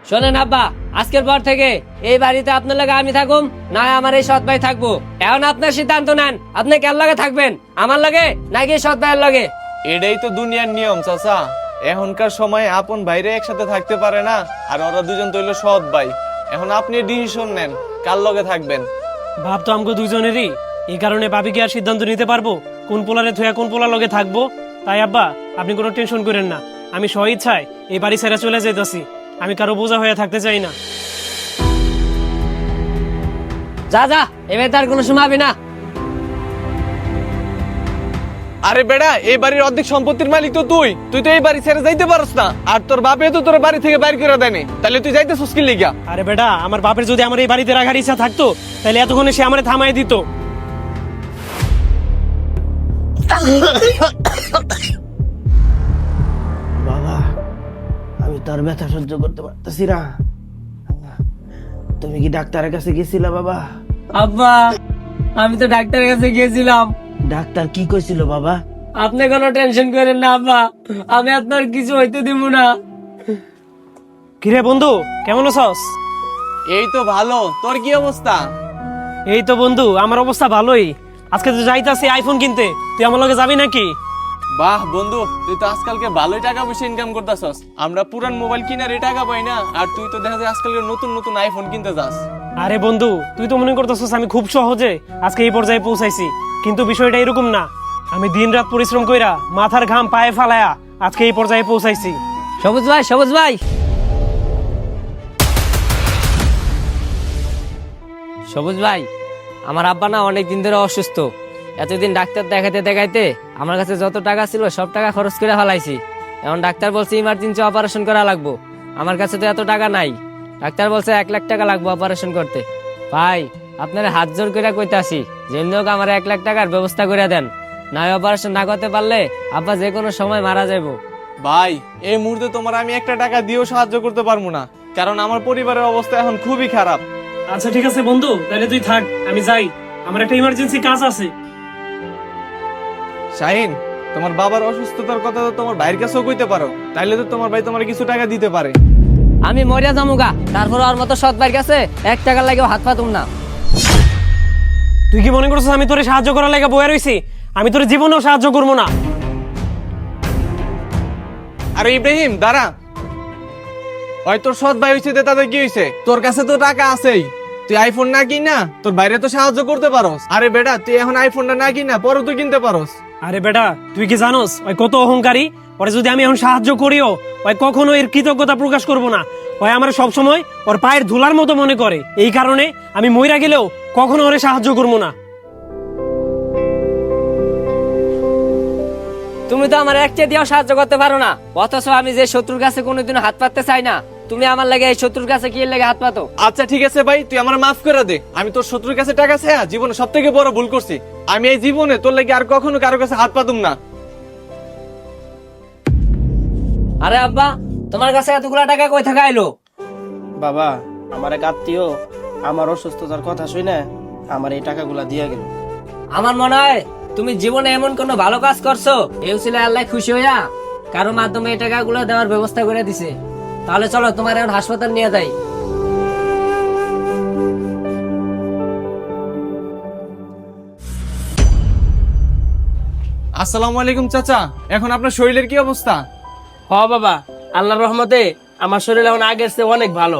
শোনেন আব্বা, আজকের পর থেকে এই বাড়িতে আপনার লাগে আমি থাকুম, না আমার এই সৎ ভাই থাকবো। এখন আপনার সিদ্ধান্ত নেন, আপনি কার লাগে থাকবেন, আমার লাগে নাকি সৎ ভাইয়ের লাগে? এটাই তো দুনিয়ার নিয়ম চাচা। এখনকার সময় আপন ভাইরে একসাথে থাকতে পারে না, আর ওরা দুজন তো হইলো সৎ ভাই। এখন আপনি ডিসিশন নেন কার লগে থাকবেন। ভাব তো আমগো দুইজনেরই, এই কারণে ভাবি কি আর সিদ্ধান্ত নিতে পারবো কোন পোলারে থুয়া কোন পোলার লগে থাকবো? তাই আব্বা আপনি কোনো টেনশন করেন না, আমি স্ব ইচ্ছায় এই বাড়ি ছেড়ে চলে যাইতেছি। আমি কারো বোঝা হয়ে থাকতে চাই না। যা যা, এবার তার কোনো সময় হবে না। আরে বেড়া, এই বাড়ির অর্ধেক সম্পত্তির মালিক তো তুই তুই তো এই বাড়ি ছেড়ে যাইতে পারস না, আর তোর বাপে তো তোর বাড়ি থেকে বাইর করে দেয়নি, তাহলে তুই যাইতেছিস কি লিগা? আরে বেটা, আমার বাপের যদি আমার এই বাড়িতে রাখার ইচ্ছা থাকতো তাহলে এতক্ষণে সে আমারে থামাই দিত। বাবা, আমি তোর ব্যথা সহ্য করতে পারতেছি না। তুমি কি ডাক্তারের কাছে গেছিলা বাবা? আব্বা, আমি তো ডাক্তারের কাছে গিয়েছিলাম। ডাক্তার কি কইছিল বাবা? আপনি কোনো টেনশন করেন না আব্বা, আমি আপনার কিছু হইতে দিব না। কিরে বন্ধু, কেমন আছস? এই তো ভালো, তোর কি অবস্থা? এই তো বন্ধু, আমার অবস্থা ভালোই। আজকে তো যাইতাছি আইফোন কিনতে, তুই আমার লগে যাবি নাকি? বাহ বন্ধু, তুই তো আজকালকে ভালোই টাকা পয়সা ইনকাম করতেছস। আমরা পুরান মোবাইল কিনার টাকা পাই না, আর তুই তো দেখা যায় আজকালকে নতুন নতুন আইফোন কিনতে যাস। আরে বন্ধু, তুই তো মনে করতেছস আমি খুব সহজে আজকে এই পর্যায়ে পৌঁছাইছি, কিন্তু বিষয়টা এরকম না। আমি দিনরাত পরিশ্রম কইরা মাথার ঘাম পায়ে ফালায়া আজকে এই পর্যায়ে পৌঁছাইছি। সবুজ ভাই, সবুজ ভাই, সবুজ ভাই, আমার আব্বা না অনেক দিন ধরে অসুস্থ। এতদিন ডাক্তার দেখাইতে দেখাইতে আমার কাছে যত টাকা ছিল সব টাকা খরচ করে ফেলাইছি। এখন ডাক্তার বলছে ইমার্জেন্সি অপারেশন করা লাগবো। আমার কাছে তো এত টাকা নাই। ডাক্তার বলছে 1 লাখ টাকা লাগবে অপারেশন করতে। ভাই, আপনারা হাত জোর করে কইতাছি, যেমনি হোক আমার 1 লাখ টাকার ব্যবস্থা করে দেন। না অপারেশন না করতে পারলে আব্বা যে কোনো সময় মারা যাবো। ভাই, এই মুহূর্তে তোমার আমি 1 টাকা দিয়েও সাহায্য করতে পারবো না, কারণ আমার পরিবারের অবস্থা এখন খুবই খারাপ। আচ্ছা ঠিক আছে বন্ধু, তাহলে তুই থাক, আমি যাই, আমার একটা ইমার্জেন্সি কাজ আছে। শাহিন, তোমার বাবার অসুস্থতার কথা তো তোমার ভাইয়ের কাছেও কইতে পারো, তাইলে তো তোমার ভাই তোমার কিছু টাকা দিতে পারে। আমি মরিয়া যামুগা, তারপর ওর মতো সৎ ভাইয়ের কাছে 1 টাকা লাগেও হাত পাতুম না। তুই কি মনে করছিস আমি তোরে সাহায্য করার লাগা বয়ে রইছি? আমি তোর জীবনেও সাহায্য করবো না। আরে ইব্রাহিম দাঁড়া, ওই তোর সৎ ভাই হইছে, তাদের কি হইছে? তোর কাছে তো টাকা আছেই, তুই আইফোন না কিনা তোর বাইরে তো সাহায্য করতে পারোস। আরে বেটা, তুই এখন আইফোনটা না কিনা পরে তুই কিনতে পারোস। আরে বেটা, তুই কি জানোস ওই কত অহংকারী? ওরে যদি আমি এখন সাহায্য করিও, ওই কখনো এর কৃতজ্ঞতা প্রকাশ করবো না। ওই আমার সবসময় ওর পায়ের ধুলার মতো মনে করে, এই কারণে আমি মইরা গেলেও কখনো ওরে সাহায্য করবো না। তুমি তো আমার একটা দিয়েও সাহায্য করতে পারো না, অথচ আমি যে শত্রুর কাছে কোনোদিনও হাত পাততে চাই না, তুমি আমার লাগে এই শত্রুর কাছে কি লাগে হাত পাতো? আচ্ছা ঠিক আছে ভাই, তুই আমার মাফ করে দে। আমি তোর শত্রুর কাছে টাকা চাইয়া জীবনে সব থেকে বড় ভুল করছি। আমি এই জীবনে তোর লাগে আর কখনো কারো কাছে হাত পাতুম না। আরে আব্বা, তোমার কাছে এতগুলা টাকা কই থেকে আইলো? বাবা, আমার এক আত্মীয় আমার অসুস্থতার কথা শুনে আমার এই টাকাগুলা দিয়ে গেল। আমার মনে হয় তুমি জীবনে এমন কোনো ভালো কাজ করছো, এই ছিল আল্লাহ খুশি হইয়া কারো মাধ্যমে এই টাকাগুলো দেওয়ার ব্যবস্থা করে দিছে। তাহলে চলো তোমার এখন হাসপাতাল নিয়ে যাই। আসসালামু আলাইকুম চাচা, এখন আপনার শরীরের কি অবস্থা? হ বাবা, আল্লাহর রহমতে আমার শরীর এখন আগের চেয়ে অনেক ভালো।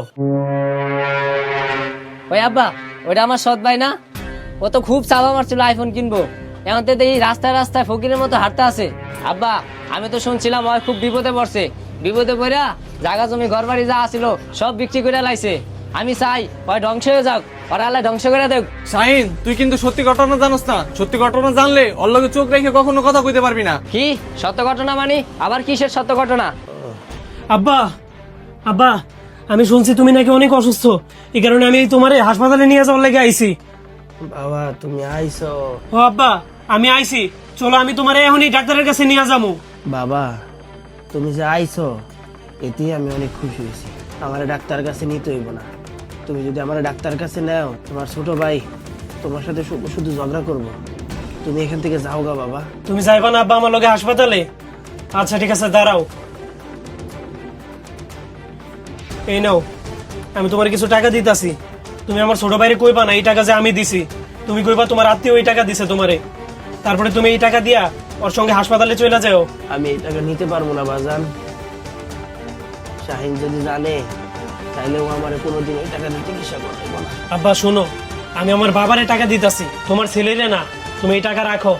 ওই আব্বা, ওইটা আমার সৎ ভাই না? ও তো খুব চাপা মারছিল আইফোন কিনবো, এখন তো এই রাস্তায় রাস্তায় ফকিরের মতো হাঁটতে আছে। আব্বা, আমি তো শুনছিলাম ওই খুব বিপদে পড়ছে, বিপদে পড়া জায়গা জমি ঘর বাড়ি যা আছিল সব বিক্রি করে লাইছে। আমি চাই ওই ধ্বংস হয়ে যাক, ওরা আল্লাহ ধ্বংস করে দেখ। শাহিন, তুই কিন্তু সত্যি ঘটনা জানোস না। সত্যি ঘটনা জানলে ওর লগে চোখ রেখে কখনো কথা কইতে পারবি না। কি সত্য ঘটনা মানে? আবার কিসের সত্য ঘটনা? আব্বা, আব্বা, আমি শুনছি তুমি নাকি অনেক অসুস্থ, এই কারণে আমি তোমারে হাসপাতালে নিয়ে যাওয়ার লেগে আইছি। বাবা, তুমি আইছো? ও আব্বা, আমি আইছি, চলো আমি তোমারে এখনই ডাক্তারের কাছে নিয়ে যাবো। বাবা, তুমি যে আইছো এতেই আমি অনেক খুশি হয়েছি। আমার ডাক্তার কাছে নিতে হইব না। তুমি যদি আমার ডাক্তার কাছে নেও, তোমার ছোট ভাই তোমার সাথে শুধু শুধু ঝগড়া করবো। তুমি এখান থেকে যাও গা বাবা। তুমি যাইবা না আব্বা আমার লগে হাসপাতালে? আচ্ছা ঠিক আছে, দাঁড়াও। এই নাও, আমি তোমার কিছু টাকা দিতাছি। তুমি আমার ছোট ভাইরে কইবা না এই টাকা যে আমি দিছি। তুমি কইবা তোমার আত্মীয় এই টাকা দিছে তোমারে। তারপরে তুমি এই টাকা দিয়া ওর সঙ্গে হাসপাতালে চলে যাও। আমি এই টাকা নিতে পারবো না বাজান। শাহিন যদি জানে তাইলে ও আমার কোনোদিন ওই টাকা দিয়ে চিকিৎসা করতে না। আব্বা শোনো, আমি আমার বাবারে টাকা দিতাছি, তোমার ছেলেরে না। তুমি এই টাকা রাখো।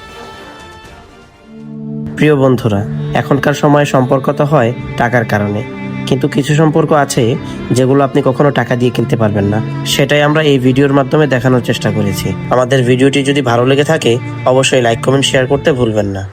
প্রিয় বন্ধুরা, এখনকার সময়ে সম্পর্ক তো হয় টাকার কারণে, কিন্তু কিছু সম্পর্ক আছে যেগুলো আপনি কখনো টাকা দিয়ে কিনতে পারবেন না। সেটাই আমরা এই ভিডিওর মাধ্যমে দেখানোর চেষ্টা করেছি। আমাদের ভিডিওটি যদি ভালো লেগে থাকে অবশ্যই লাইক, কমেন্ট, শেয়ার করতে ভুলবেন না।